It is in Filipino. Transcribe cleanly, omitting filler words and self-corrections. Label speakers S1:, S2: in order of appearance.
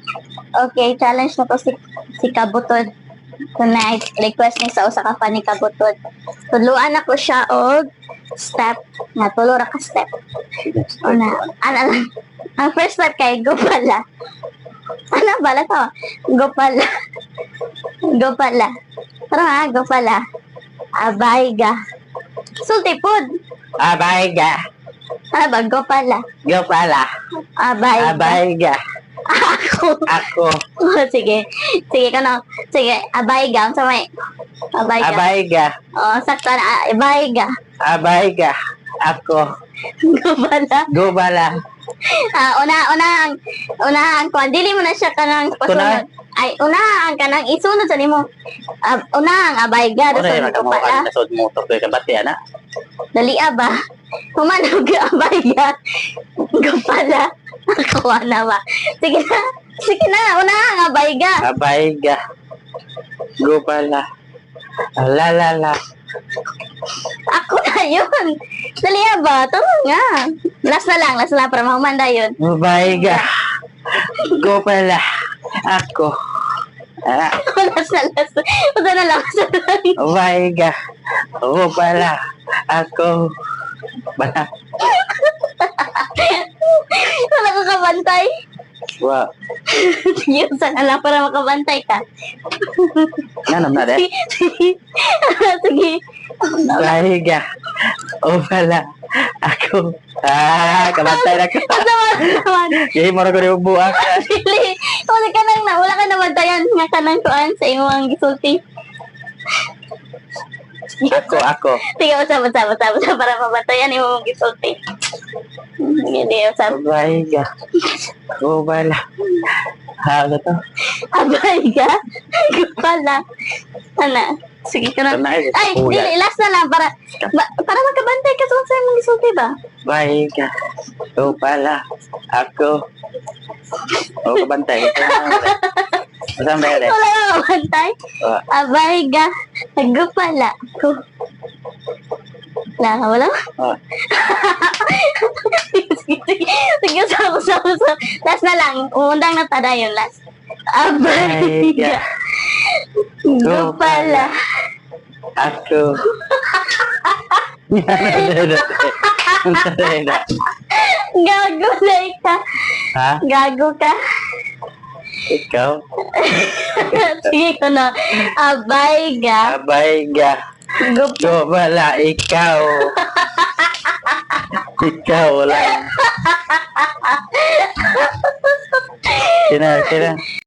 S1: Okay, challenge na to si Kabutod. Tonight, request ni sa usa ka fan ni Kabutod. Tuluan ako siya og step. Nga, tulo ra ka step. Una, ano lang. Ang first step kay go pala. Ano bala to? Go pala. Go pala. Tara ha, go pala. Abayga. Sulti pod.
S2: Abayga.
S1: Ano ba? Go pala.
S2: Go pala.
S1: Abayga.
S2: Abayga.
S1: Ako.
S2: Ako.
S1: Oh, sige. Sige ka na. Sige, abayga. Sa may. Abayga.
S2: Abayga.
S1: Oh, sakto na. Abayga.
S2: Abayga. Ako.
S1: Go pala.
S2: Go pala.
S1: Una ang kwan. Dili mo na siya kanang pasunod. Ay, una ang kanang isunod sa nimo. Una ang abayga.
S2: Ano yung
S1: Dasunod ko
S2: nakamuha
S1: pala.
S2: ka sa motor ko yung kabati, ana?
S1: Dali ba? Humanog abayga. Go pala. Ako na ba? Sige na. Sige na. Una ang abayga.
S2: Abayga. Go pala. La la la.
S1: Ako na yun. Dali ba? Tama nga. Last na lang para mahumanda yun.
S2: Abayga. Go pala. Ako. Ah,
S1: Last na lang.
S2: Abayga. Go pala. Ako. Bala.
S1: Wala ka kabantay.
S2: Wow.
S1: Sige, sana lang para makabantay ka.
S2: Nanam na de.
S1: Sige.
S2: Abayga. O pala. Ako. Kabantay na ko.
S1: Naman.
S2: Yay, mara ko rin buwak.
S1: Dili. Wala ka nabantayan nga kanang tuan sa imong gisulti.
S2: Ako.
S1: Sige, usap para mabantayan imong gisulti. Hindi, usap.
S2: Abayga. O pala. Ano to?
S1: Abay ka? Pala. Ana. Sige ka na. Ay, dili, last na lang para makabantay ka sa imong gisulti ba?
S2: Abayga. O pala. Ako. O kabantay. Masang dahil eh.
S1: Wala ka makabantay? Abay ka? Nagupala ko. Wala?
S2: Oh.
S1: Sige, usap. Last na lang. Umundang na tada yun, last. Abay ka? Gupala.
S2: Ako.
S1: Gago na ka.
S2: Ha?
S1: Gago ka.
S2: Ikaw?
S1: Sige ko na. Abay ka.
S2: Abayga.
S1: Gupala.
S2: Wala, ikaw. Ikaw lang. Kina.